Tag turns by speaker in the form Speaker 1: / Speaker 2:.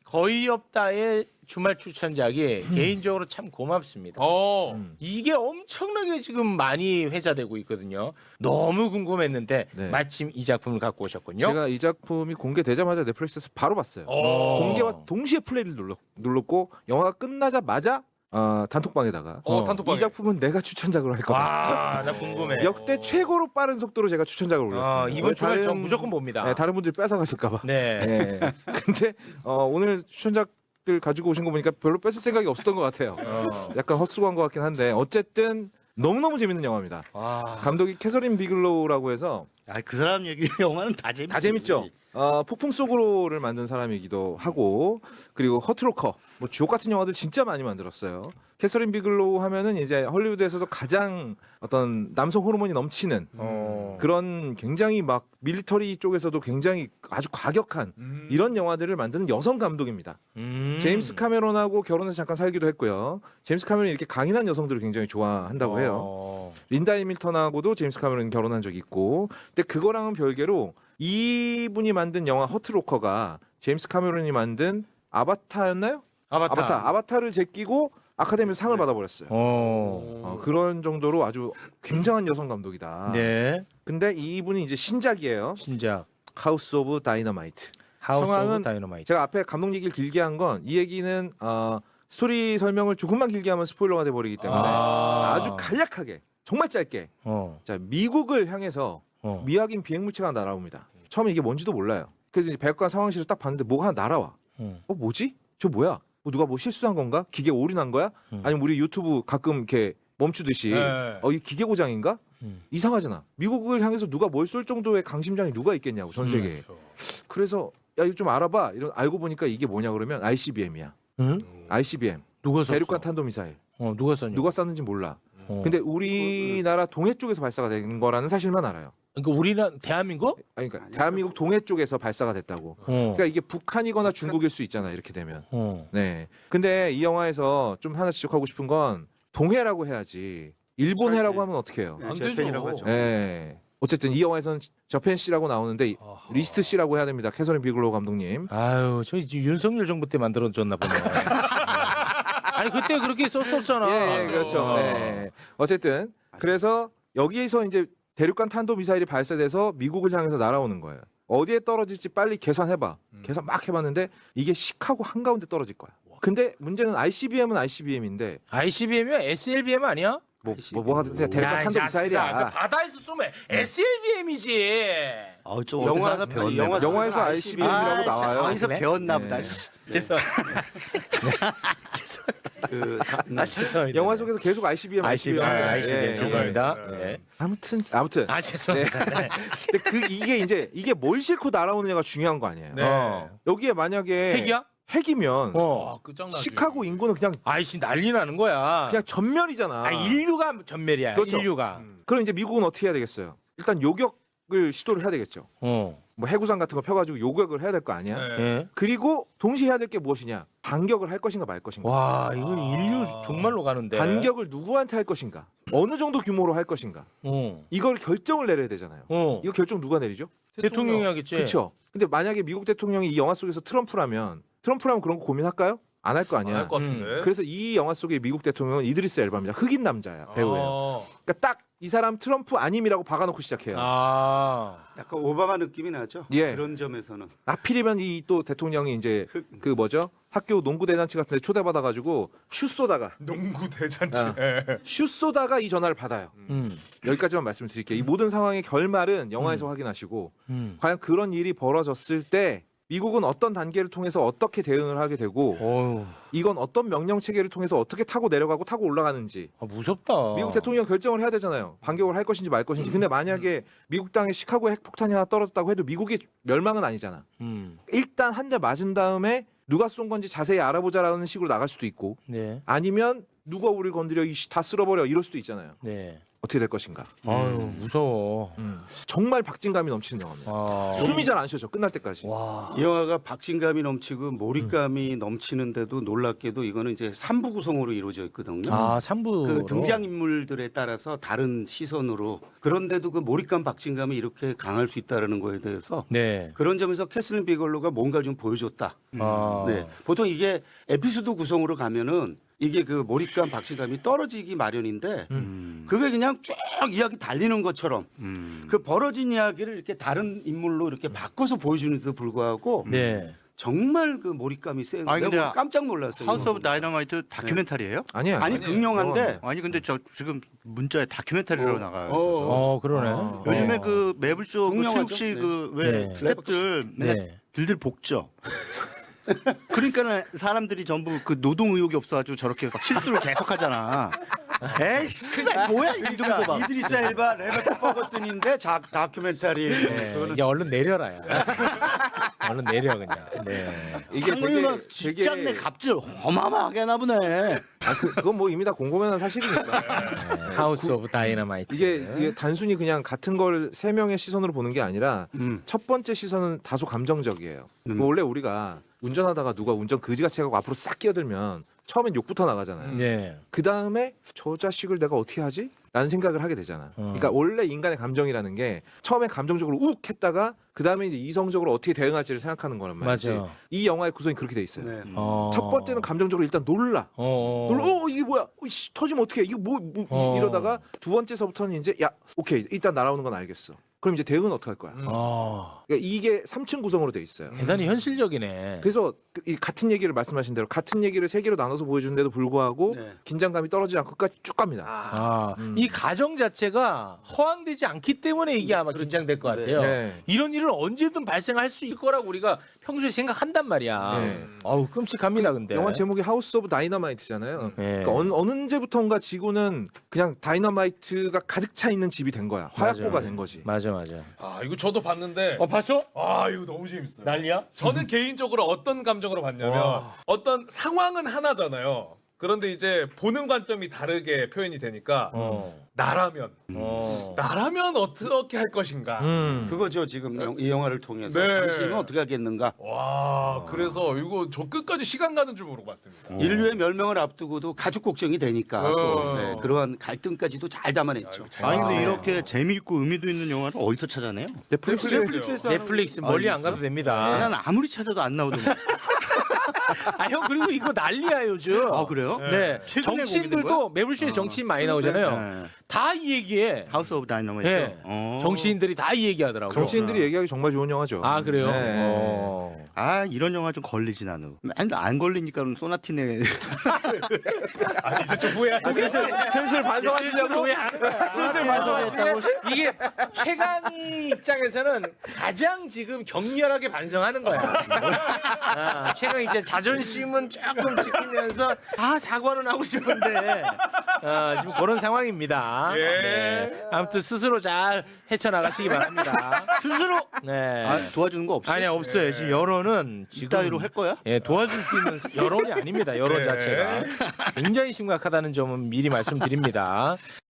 Speaker 1: 거의 없다의 주말 추천작이 개인적으로 참 고맙습니다. 이게 엄청나게 지금 많이 회자되고 있거든요. 너무 궁금했는데
Speaker 2: 네.
Speaker 1: 마침 이 작품을 갖고 오셨군요.
Speaker 2: 제가 이 작품이 공개되자마자 넷플릭스에서 바로 봤어요. 공개와 동시에 플레이를 눌렀고 영화가 끝나자마자 단톡방에다가
Speaker 3: 단톡방에.
Speaker 2: 이 작품은 내가 추천작으로 할 거다.
Speaker 1: 와, 나 궁금해.
Speaker 2: 역대 최고로 빠른 속도로 제가 추천작을 올렸습니다.
Speaker 1: 이번 주말 저
Speaker 2: 다른-
Speaker 1: 무조건 봅니다.
Speaker 2: 네, 다른 분들이 뺏어가실까봐.
Speaker 1: 네.
Speaker 2: 네. 근데 오늘 추천작들 가지고 오신 거 보니까 별로 뺏을 생각이 없었던 것 같아요. 약간 헛수고한 것 같긴 한데 어쨌든 너무너무 재밌는 영화입니다. 감독이 캐서린 비글로우라고 해서
Speaker 4: 그 사람 얘기 영화는 다 재밌지.
Speaker 2: 다 재밌죠. 폭풍 속으로를 만든 사람이기도 하고 그리고 허트로커 뭐 주옥 같은 영화들 진짜 많이 만들었어요. 캐서린 비글로우 하면은 이제 헐리우드에서도 가장 어떤 남성 호르몬이 넘치는 그런 굉장히 막 밀리터리 쪽에서도 굉장히 아주 과격한 이런 영화들을 만드는 여성 감독입니다. 제임스 카메론하고 결혼해서 잠깐 살기도 했고요. 제임스 카메론이 이렇게 강인한 여성들을 굉장히 좋아한다고 해요. 린다 해밀턴하고도 제임스 카메론 결혼한 적이 있고, 근데 그거랑은 별개로 이분이 만든 영화 허트로커가 제임스 카메론이 만든 아바타였나요? 아바타를 제끼고 아카데미에서 상을 받아버렸어요. 그런 정도로 아주 굉장한 여성 감독이다.
Speaker 1: 네.
Speaker 2: 근데 이분이 이제 신작이에요.
Speaker 1: 신작.
Speaker 2: 하우스 오브 다이너마이트.
Speaker 1: 하우스
Speaker 2: 성황은
Speaker 1: 오브 다이너마이트.
Speaker 2: 제가 앞에 감독 얘기를 길게 한 건 이 얘기는 스토리 설명을 조금만 길게 하면 스포일러가 돼버리기 때문에 아주 간략하게 정말 짧게 자 미국을 향해서 미확인 비행물체가 날아옵니다. 처음에 이게 뭔지도 몰라요. 그래서 이제 백악관 상황실을 딱 봤는데 뭐가 하나 날아와. 뭐지? 저 뭐야? 누가 뭐 실수한 건가? 기계 오류난 거야? 아니면 우리 유튜브 가끔 이렇게 멈추듯이 이 기계 고장인가? 이상하잖아. 미국을 향해서 누가 뭘 쏠 정도의 강심장이 누가 있겠냐고 전 세계에. 그래서 야 이거 좀 알아봐. 이런 알고 보니까 이게 뭐냐 그러면 ICBM이야. ICBM.
Speaker 1: 누가 썼어?
Speaker 2: 대륙간 탄도미사일.
Speaker 1: 누가 썼냐?
Speaker 2: 누가 쐈는지 몰라. 근데 우리나라 동해 쪽에서 발사가 된 거라는 사실만 알아요.
Speaker 1: 그러니까 우리나라 대한민국?
Speaker 2: 아니, 그러니까 대한민국 동해 쪽에서 발사가 됐다고. 그러니까 이게 북한이거나 중국일 수 있잖아 이렇게 되면. 네. 근데 이 영화에서 좀 하나 지적하고 싶은 건 동해라고 해야지 일본해라고 하면 어떻게 해요?
Speaker 3: 안
Speaker 4: 재팬이라고
Speaker 3: 되죠.
Speaker 4: 하죠.
Speaker 2: 네. 어쨌든 이 영화에서는 저펜 씨라고 나오는데 리스트 씨라고 해야 됩니다. 캐서린 비글로우 감독님.
Speaker 1: 아유, 저희 윤석열 정부 때 만들어졌나 보네. 아니 그때 그렇게 썼었잖아.
Speaker 2: 예, 그렇죠. 네. 어쨌든 그래서 여기에서 이제 대륙간 탄도 미사일이 발사돼서 미국을 향해서 날아오는 거예요. 어디에 떨어질지 빨리 계산해봐. 계산 막 해봤는데 이게 시카고 한가운데 떨어질 거야. 근데 문제는 ICBM은 ICBM인데
Speaker 1: ICBM이야? SLBM 아니야?
Speaker 2: 뭐 하든지 대륙간 탄도 미사일이야.
Speaker 1: 바다에서 쏘면 SLBM이지.
Speaker 4: 좀 영화에서 배웠네.
Speaker 2: 영화에서 ICBM이라고 나와요.
Speaker 4: 영화에서
Speaker 2: 네.
Speaker 4: 배웠나 보다.
Speaker 1: 죄송합니다. 죄송합니다.
Speaker 2: 영화 속에서 계속 ICBM,
Speaker 1: ICBM, 죄송합니다. 네.
Speaker 2: 아무튼
Speaker 1: 죄송합니다. 네.
Speaker 2: 근데 이게 뭘 싣고 날아오느냐가 중요한 거 아니에요.
Speaker 1: 네.
Speaker 2: 여기에 만약에
Speaker 1: 핵이야?
Speaker 2: 핵이면
Speaker 3: 끝장나지.
Speaker 2: 시카고 인구는 그냥
Speaker 1: 아이씨 난리 나는 거야.
Speaker 2: 전멸이잖아.
Speaker 1: 인류가 전멸이야.
Speaker 2: 그렇죠.
Speaker 1: 인류가.
Speaker 2: 그럼 이제 미국은 어떻게 해야 되겠어요? 일단 요격을 시도를 해야 되겠죠. 뭐 해구상 같은 거 펴가지고 요격을 해야 될 거 아니야.
Speaker 1: 네.
Speaker 2: 그리고 동시에 해야 될 게 무엇이냐? 반격을 할 것인가 말 것인가.
Speaker 1: 와, 이건 인류 정말로 가는데.
Speaker 2: 반격을 누구한테 할 것인가? 어느 정도 규모로 할 것인가? 이걸 결정을 내려야 되잖아요. 이거 결정 누가 내리죠?
Speaker 1: 대통령이 하겠지.
Speaker 2: 그렇죠. 근데 만약에 미국 대통령이 이 영화 속에서 트럼프라면 그런 거 고민할까요? 안 할 거 아니야.
Speaker 3: 안 할 것 같은데.
Speaker 2: 그래서 이 영화 속의 미국 대통령은 이드리스 엘바입니다. 흑인 남자야, 배우예요. 그러니까 딱 이 사람 트럼프 아님이라고 박아놓고 시작해요.
Speaker 4: 약간 오바마 느낌이 나죠.
Speaker 2: 예.
Speaker 4: 그런 점에서는.
Speaker 2: 하필이면 이 또 대통령이 이제 그 뭐죠? 학교 농구 대잔치 같은 데 초대받아가지고 슛 쏘다가
Speaker 3: 농구 대잔치.
Speaker 2: 슛 쏘다가 이 전화를 받아요. 여기까지만 말씀드릴게요. 이 모든 상황의 결말은 영화에서 확인하시고 과연 그런 일이 벌어졌을 때 미국은 어떤 단계를 통해서 어떻게 대응을 하게 되고 이건 어떤 명령 체계를 통해서 어떻게 타고 내려가고 타고 올라가는지
Speaker 1: 무섭다.
Speaker 2: 미국 대통령 결정을 해야 되잖아요. 반격을 할 것인지 말 것인지. 근데 만약에 미국 땅에 시카고에 핵폭탄이 하나 떨어졌다고 해도 미국이 멸망은 아니잖아. 일단 한 대 맞은 다음에 누가 쏜 건지 자세히 알아보자라는 식으로 나갈 수도 있고
Speaker 1: 네.
Speaker 2: 아니면 누가 우리를 건드려 다 쓸어버려 이럴 수도 있잖아요.
Speaker 1: 네.
Speaker 2: 어떻게 될 것인가.
Speaker 1: 아유 무서워.
Speaker 2: 정말 박진감이 넘치는 영화입니다.
Speaker 1: 아.
Speaker 2: 숨이 잘 안 쉬어져 끝날 때까지.
Speaker 1: 와.
Speaker 4: 이 영화가 박진감이 넘치고 몰입감이 넘치는데도 놀랍게도 이거는 이제 3부 구성으로 이루어져 있거든요.
Speaker 1: 아 3부
Speaker 4: 그 등장 인물들에 따라서 다른 시선으로 그런데도 그 몰입감 박진감이 이렇게 강할 수 있다는 거에 대해서
Speaker 1: 네.
Speaker 4: 그런 점에서 캐슬린 비글로가 뭔가 좀 보여줬다.
Speaker 1: 아.
Speaker 4: 네. 보통 이게 에피소드 구성으로 가면은 이게 그 몰입감 박진감이 떨어지기 마련인데 그게 그냥 쭉 이야기 달리는 것처럼 그 벌어진 이야기를 이렇게 다른 인물로 이렇게 바꿔서 보여주는데도 불구하고
Speaker 1: 네.
Speaker 4: 정말 그 몰입감이 센.
Speaker 5: 아니, 근데
Speaker 4: 내가 깜짝 놀랐어요.
Speaker 5: 하우스
Speaker 4: 이거
Speaker 5: 오브 다이너마이트 다큐멘터리예요?
Speaker 2: 아니야.
Speaker 4: 아니 극명한데
Speaker 5: 아니 근데 저 지금 문자에 다큐멘터리로 나가요.
Speaker 1: 그러네.
Speaker 5: 요즘에 그 매블쇼 그
Speaker 4: 극명하죠.
Speaker 5: 최욱 씨
Speaker 4: 네.
Speaker 5: 그 왜
Speaker 1: 네.
Speaker 5: 스태프들 맨날
Speaker 1: 네.
Speaker 5: 들들 볶죠. 그러니까는 사람들이 전부 그 노동 의욕이 없어가지고 저렇게 막 실수를 계속하잖아. 에이씨, 뭐야 이러면서 막.
Speaker 4: 이드리스 엘바, 레베카 퍼거슨인데 다큐멘터리.
Speaker 1: 네. 이제 얼른 내려라. 야. 얼른 내려 그냥. 네.
Speaker 2: 이게
Speaker 5: 상무이가 직장 내 갑질 어마어마하게 하나 보네.
Speaker 2: 그건 뭐 이미 다 공공연한 사실이니까.
Speaker 1: 하우스 오브 다이너마이트.
Speaker 2: 이게 단순히 그냥 같은 걸 세 명의 시선으로 보는 게 아니라 첫 번째 시선은 다소 감정적이에요. 뭐 원래 우리가 운전하다가 누가 운전 그지같이 하고 앞으로 싹 끼어들면 처음엔 욕부터 나가잖아요.
Speaker 1: 네.
Speaker 2: 그 다음에 저 자식을 내가 어떻게 하지? 라는 생각을 하게 되잖아. 그러니까 원래 인간의 감정이라는 게 처음엔 감정적으로 욱 했다가 그 다음에 이제 이성적으로 어떻게 대응할지를 생각하는 거란 말이지.
Speaker 1: 맞아.
Speaker 2: 이 영화의 구성이 그렇게 돼 있어요.
Speaker 4: 네.
Speaker 2: 첫 번째는 감정적으로 일단 놀라. 이게 뭐야? 씨, 터지면 어떡해? 이거 이러다가 두 번째서부터는 이제 야, 오케이. 일단 날아오는 건 알겠어. 그럼 이제 대응은 어떻게 할 거야? 그러니까 이게 3층 구성으로 돼 있어요.
Speaker 1: 대단히 현실적이네.
Speaker 2: 그래서 이 같은 얘기를 말씀하신 대로 같은 얘기를 세 개로 나눠서 보여주는데도 불구하고
Speaker 4: 네.
Speaker 2: 긴장감이 떨어지지 않고 끝까지 쭉 갑니다.
Speaker 1: 이 가정 자체가 허황되지 않기 때문에 이게 아마 긴장될 것 같아요.
Speaker 2: 네.
Speaker 1: 이런 일은 언제든 발생할 수 있을 거라고 우리가 평소에 생각한단 말이야.
Speaker 2: 네.
Speaker 1: 아우 끔찍합니다, 근데.
Speaker 2: 영화 제목이 하우스 오브 다이너마이트잖아요.
Speaker 1: 네.
Speaker 2: 그러니까 언제부턴가 지구는 그냥 다이너마이트가 가득 차 있는 집이 된 거야. 화약고가
Speaker 1: 맞아요.
Speaker 2: 된 거지.
Speaker 1: 맞아.
Speaker 3: 아 이거 저도 봤는데
Speaker 1: 봤어?
Speaker 3: 아 이거 너무 재밌어요.
Speaker 1: 난리야?
Speaker 3: 저는 개인적으로 어떤 감정으로 봤냐면
Speaker 1: 와.
Speaker 3: 어떤 상황은 하나잖아요. 그런데 이제 보는 관점이 다르게 표현이 되니까 나라면 어떻게 할 것인가.
Speaker 4: 그거죠 지금 이 영화를 통해서
Speaker 3: 네.
Speaker 4: 당신은 어떻게 하겠는가.
Speaker 3: 와 그래서 이거 저 끝까지 시간 가는 줄 모르고 봤습니다.
Speaker 4: 인류의 멸명을 앞두고도 가족 걱정이 되니까 또 네, 그러한 갈등까지도 잘 담아냈죠.
Speaker 5: 아니 근데 이렇게 재미있고 의미도 있는 영화를 어디서 찾아내요?
Speaker 4: 넷플릭스에서
Speaker 1: 넷플릭스 멀리 안 가도 됩니다.
Speaker 5: 난 아무리 찾아도 안 나오던데.
Speaker 1: 형 그리고 이거 난리야 요즘.
Speaker 5: 아 그래요?
Speaker 1: 네.
Speaker 5: 최근에 공개된
Speaker 1: 정치인들도 매불쇼에 정치인 많이 나오잖아요.
Speaker 5: 네.
Speaker 1: 다 이 얘기해.
Speaker 5: 하우스 오브 다이너마이트.
Speaker 1: 네. 정치인들이 다 이 얘기하더라고.
Speaker 2: 정치인들이 얘기하기 정말 좋은 영화죠.
Speaker 1: 아 그래요?
Speaker 2: 네.
Speaker 5: 아 이런 영화 좀 걸리지 나는. 안 걸리니까 소나티네.
Speaker 3: 아 이제 좀 후회하시죠.
Speaker 2: 슬슬 반성하시려고.
Speaker 1: 슬슬 반성했다고. 이게 최강희 입장에서는 가장 지금 격렬하게 반성하는 거야. 최강희 이제 자존심은 조금 지키면서 사과는 하고 싶은데 지금 그런 상황입니다.
Speaker 3: 예.
Speaker 1: 네. 아무튼 스스로 잘 헤쳐나가시기 바랍니다.
Speaker 5: 스스로
Speaker 1: 네.
Speaker 5: 도와주는 거 없어요?
Speaker 1: 아니 없어요. 지금 여론은 지금
Speaker 5: 이따위로 할 거야?
Speaker 1: 예, 도와줄 수 있는 여론이 아닙니다. 여론
Speaker 3: 네.
Speaker 1: 자체가 굉장히 심각하다는 점은 미리 말씀드립니다.